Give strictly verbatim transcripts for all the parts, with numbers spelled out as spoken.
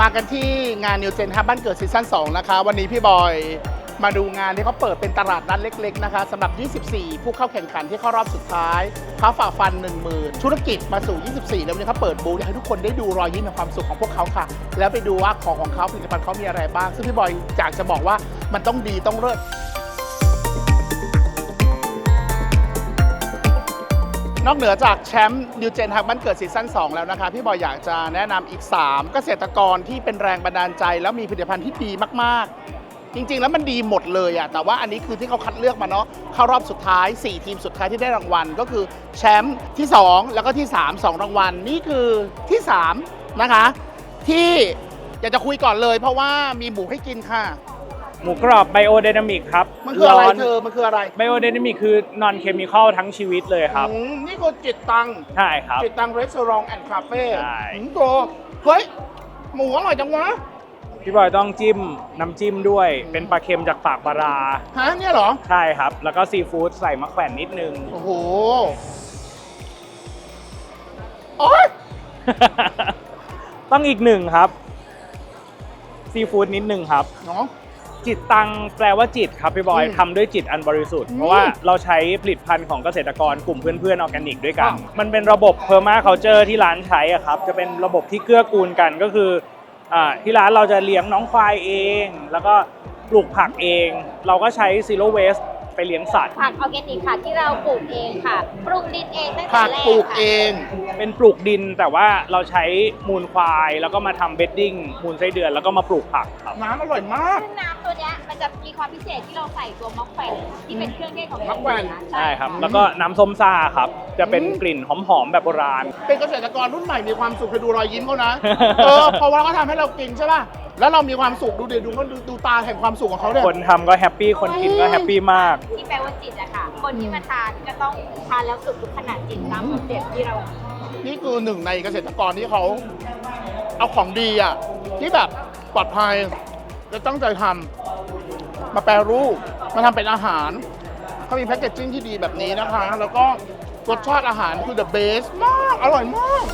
มากันที่งาน New Gen Hub บ้านเกิดซีซั่นสองนะคะวันนี้พี่บอยมาดูงานที่เขาเปิดเป็นตลาดนัดเล็กๆนะคะสำหรับ ยี่สิบสี่ ผู้เข้าแข่งขันที่เข้ารอบสุดท้ายเขาฝ่าฟัน หนึ่งหมื่น ธุรกิจมาสู่ ยี่สิบสี่ แล้ววันนี้เขาเปิดบูธอยากให้ทุกคนได้ดูรอยยิ้มและความสุขของพวกเขาค่ะแล้วไปดูว่าของของเขาผลิตภัณฑ์เขามีอะไรบ้างซึ่งพี่บอยอยากจะบอกว่ามันต้องดีต้องเลิศนอกเหนือจากแชมป์ New Gen Hub บ้านเกิดซีซั่นสองแล้วนะคะพี่บอยอยากจะแนะนำอีกสามเกษตรกรที่เป็นแรงบันดาลใจแล้วมีผลิตภัณฑ์ที่ดีมากๆจริงๆแล้วมันดีหมดเลยอะแต่ว่าอันนี้คือที่เขาคัดเลือกมาเนาะเข้ารอบสุดท้ายสี่ทีมสุดท้ายที่ได้รางวัลก็คือแชมป์ที่สองแล้วก็ที่สาม สองรางวัลนี่คือที่สามนะคะที่อยากจะคุยก่อนเลยเพราะว่ามีหมูให้กินค่ะหมูกรอบไบโอไดนามิกครับมันคืออะไรเธอมันคืออะไรไบโอไดนามิกคือนอนเคมีคอลทั้งชีวิตเลยครับนี่คือจิตตังใช่ครับจิตตังรีสอร์ทแอนด์คาเฟ่ใช่โตเฮ้ยหมูอร่อยจังวะพี่บอยต้องจิ้มน้ำจิ้มด้วยเป็นปลาเค็มจากปากปลาราฮะเนี่ยเหรอใช่ครับแล้วก็ซีฟู้ดใส่มะแขวนนิดนึงโอ้โหโอ๊ยต้องอีกหนึ่งครับซีฟู้ดนิดนึงครับเนาะจิตตังแปลว่าจิตครับพี่บอยทำด้วยจิตอันบริสุทธิ์เพราะว่าเราใช้ผลิตภัณฑ์ของเกษตรกรกลุ่มเพื่อนๆออร์แกนิกด้วยกันมันเป็นระบบเพอร์มาเคาเจอร์ที่ร้านใช้อะครับจะเป็นระบบที่เกื้อกูลกันก็คืออ่าที่ร้านเราจะเลี้ยงน้องควายเองแล้วก็ปลูกผักเองเราก็ใช้ซีโร่เวสไปเลี้ยงสัตว์ผักออร์แกนิกค่ะที่เราปลูกเองค่ะปลูกดินเองตั้งแต่ผักแรกปลูกเองเป็นปลูกดินแต่ว่าเราใช้มูลควายแล้วก็มาทำเบดดิ้งมูลไส้เดือนแล้วก็มาปลูกผักครับน้ำอร่อยมากซึ่งน้ำตัวเนี้ยมันจะมีความพิเศษที่เราใส่ตัวมะแขวนที่เป็นเครื่องเทศของมะแขวนใช่ครับแล้วก็น้ำส้มซ่าครับจะเป็นกลิ่นหอมๆแบบโบราณเป็นเกษตรกรรุ่นใหม่มีความสุขไปดูรอยยิ้มเขานะเออเพราะว่าเขาทำให้เรากินใช่ป่ะแล้วเรามีความสุขดูเดี๋ยวดูเขาดูดูตาแห่งความสุขของเขาเนี่ยคนทำก็แฮปปี้คนกินก็แฮปปี้มากที่แปลว่าจิตอะค่ะคนที่มาทานก็ต้องทานแล้วสุขทุกขนาดจิตตามคอนเซ็ปต์ที่เรานี่คือหนึ่งในเกษตรกรที่เขาเอาของดีอ่ะที่แบบปลอดภัยจะตั้งใจทำมาแปรรูปมาทำเป็นอาหารเขามีแพคเกจจิ้งที่ดีแบบนี้นะคะแล้วก็รสชาติอาหารคือ the best มากอร่อยมาก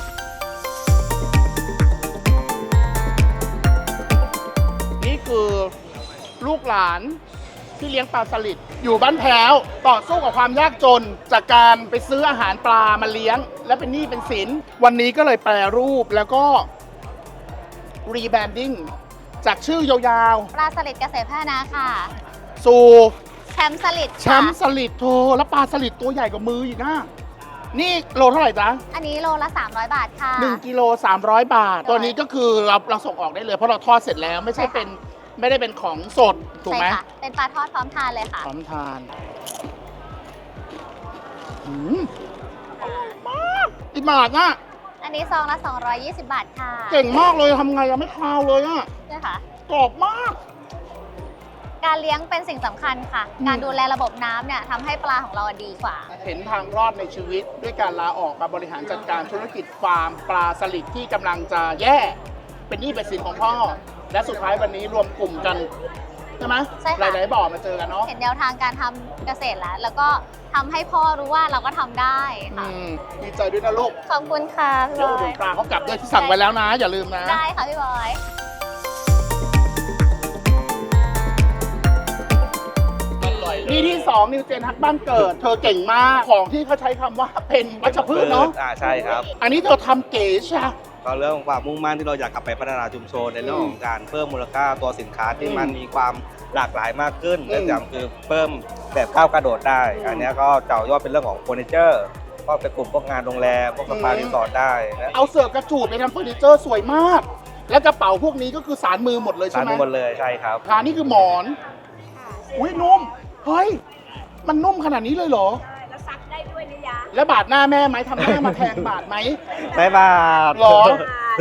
นี่คือลูกหลานที่เลี้ยงปลาสลิดอยู่บ้านแพ้วต่อสู้กับความยากจนจากการไปซื้ออาหารปลามาเลี้ยงและเป็นหนี้เป็นสินวันนี้ก็เลยแปรรูปแล้วก็รีแบรนดิ้งจากชื่อยาวๆปลาสลิดเกษตรพัฒนาค่ะสู่แชมป์สลิดแชมป์สลิดโธแล้วปลาสลิดตัวใหญ่กว่ามืออีกนะนี่โลเท่าไหร่จ๊ะอันนี้โลละสามร้อยบาทค่ะหนึ่งกิโลสามร้อยบาทตัวนี้ก็คือเราเราส่งออกได้เลยเพราะเราทอดเสร็จแล้วไม่ใช่เป็นไม่ได้เป็นของสดถูกไหมใช่ค่ะเป็นปลาทอดพร้อมทานเลยค่ะพร้อมทานอืมอร่อยมากกี่บาทน่ะอันนี้ซองละสองร้อยยี่สิบบาทค่ะเก่งมากเลยทำไงยังไม่คาวเลยอ่ะใช่ค่ะกรอบมากการเลี้ยงเป็นสิ่งสำคัญค่ะการดูแลระบบน้ำเนี่ยทำให้ปลาของเราดีกว่าเห็นทางรอดในชีวิตด้วยการลาออกมาบริหารจัดการธุรกิจฟาร์มปลาสลิดที่กำลังจะแย่เป็นหนี้เป็นสินของพ่อและสุดท้ายวันนี้รวมกลุ่มกันใช่ไหมใช่ค่ะหลายๆบ่อมาเจอกันเนาะเห็นแนวทางการทำเกษตรแล้วแล้วก็ทำให้พ่อรู้ว่าเราก็ทำได้ค่ะดีใจด้วยนะลูกขอบคุณค่ะพี่บอยเดี๋ยวปลาเขากลับด้วยที่สั่งไว้แล้วนะอย่าลืมนะได้ค่ะพี่บอยนี่ที่สองนิวเจนฮักบ้านเกิดเธอเก่งมากของที่เขาใช้คำว่าเป็นวัชพืชเนาะอ่าใช่ครับอันนี้เธอทำเก๋ใช่ก็เรื่องของความมุ่งมั่นที่เราอยากกลับไปพัฒนาชุมชนในเรื่องของการเพิ่มมูลค่าตัวสินค้าที่มันมีความหลากหลายมากขึ้นและอย่างคือเพิ่มแบบก้าวกระโดดได้อันนี้ก็เจาะยอดเป็นเรื่องของเฟอร์นิเจอร์ก็เป็นกลุ่มพวกงานโรงแรมพวกสปารีสอร์ทได้นะเอาเสือกระจูดไปทำเฟอร์นิเจอร์สวยมากและกระเป๋าพวกนี้ก็คือสารมือหมดเลยใช่ไหมสารมือหมดเลยใช่ครับขานี่คือหมอนอุ้ยนุ่มเฮ้ยมันนุ่มขนาดนี้เลยเหรอแล้วซักได้ด้วยนะยะแล้วบาดหน้าแม่ไหมทำหน้ามาแทงบาดไหมไม่บาดหรอ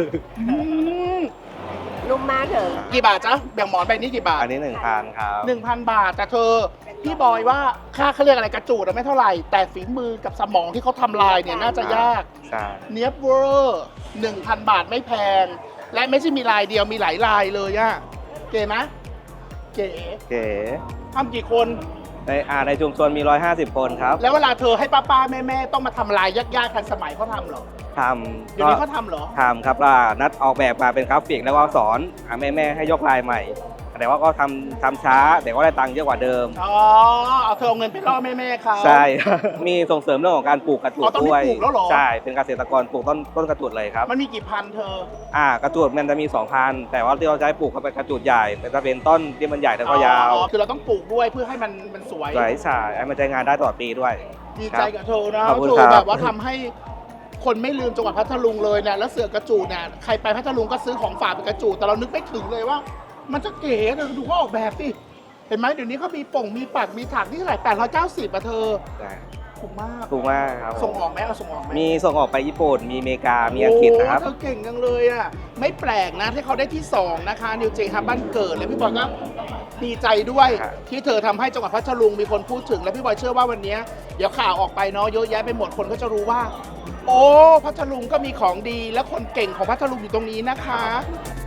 นุ่มมากเถอะกี่บาทจ๊ะแบ่งหมอนใบนี้กี่บาทอันนี้หนึ่งพันครับหนึ่งพันบาทแต่เธอพี่บอยว่าค่าเขาเรียกอะไรกระจูดไม่เท่าไหร่แต่ฝีมือกับสมองที่เขาทำลายเนี่ยน่าจะยากเนียบเวอร์หนึ่งพันบาทไม่แพงและไม่ใช่มีลายเดียวมีหลายลายเลยอะเก๋ไหมเก๋เก๋ทำกี่คนในอ่าในชุมชนมีหนึ่งร้อยห้าสิบคนครับแล้วเวลาเธอให้ป้าป้าแม่แม่ต้องมาทำลายยากๆทันสมัยเขาทำหรอทำเดี๋ยวนี้เขาทำเหรอทำครับว่านัดออกแบบมาเป็นกราฟิกแล้วก็สอนแม่แม่ๆให้ยกลายใหม่ แต่ว่าก็ทำทำช้าแต่ก็ได้ตังค์เยอะกว่าเดิมอ๋อ เอาเธอเอาเงินไปล่อแม่แม่ๆเขาใช่ มีส่งเสริมเรื่องของการปลูกกระจูอ๋ดอตอนนี้ด้วยปลูกแล้วเหรอใช่เป็นเกษตรกรปลูกต้นต้นกระจูดเลยครับมันมีกี่พันเธออ่ากระจูดมันจะมีสองพันแต่ว่าที่เราใช้ปลูกเขาเป็นกระจูดใหญ่เป็นจะเป็นต้นที่มันใหญ่แล้วก็ยาวอ๋อ คือเราต้องปลูกด้วยเพื่อให้มันมันสวยสวยฉายให้มันใช้งานได้ตลอดปีด้วยดีใจกับเธอนะขอบคุณเธอครับแบบว่าทำให้คนไม่ลืมจังหวัดพัทลุงเลยเนี่ยแล้วเสือกระจูดเนี่ยใครไปพัทลุงก็ซื้อของฝากเป็นกระจูดแต่เรานึกไม่ถึงเลยว่า มันจะเก๋เธอดูเขาออกแบบสิเห็นไหมเดี๋ยวนี้เขามีป่งมีปักมีถักที่เท่าไหร่แปดร้อยเก้าสิบอะเธอใช่ถูกมากถูกมากครับส่งออกไหมเอาส่งออกไหมมีส่งออกไปญี่ปุ่น มีอเมริกา มีอังกฤษนะครับโอ้เธอเก่งจังเลยอ่ะไม่แปลกนะที่เขาได้ที่สองนะคะนิวเจฮับบ้านเกิดแล้วพี่บอยก็ดีใจด้วยครับที่เธอทำให้จังหวัดพัทลุงมีคนพูดถึงและพี่บอยเชื่อว่าวันนี้เดี๋ยวข่าวออกไปเนาะเยอะแยะไปหมดคนก็จะรู้ว่า โอ้พัทลุงก็มีของดีและคนเก่งของพัทลุงอยู่ตรงนี้นะคะ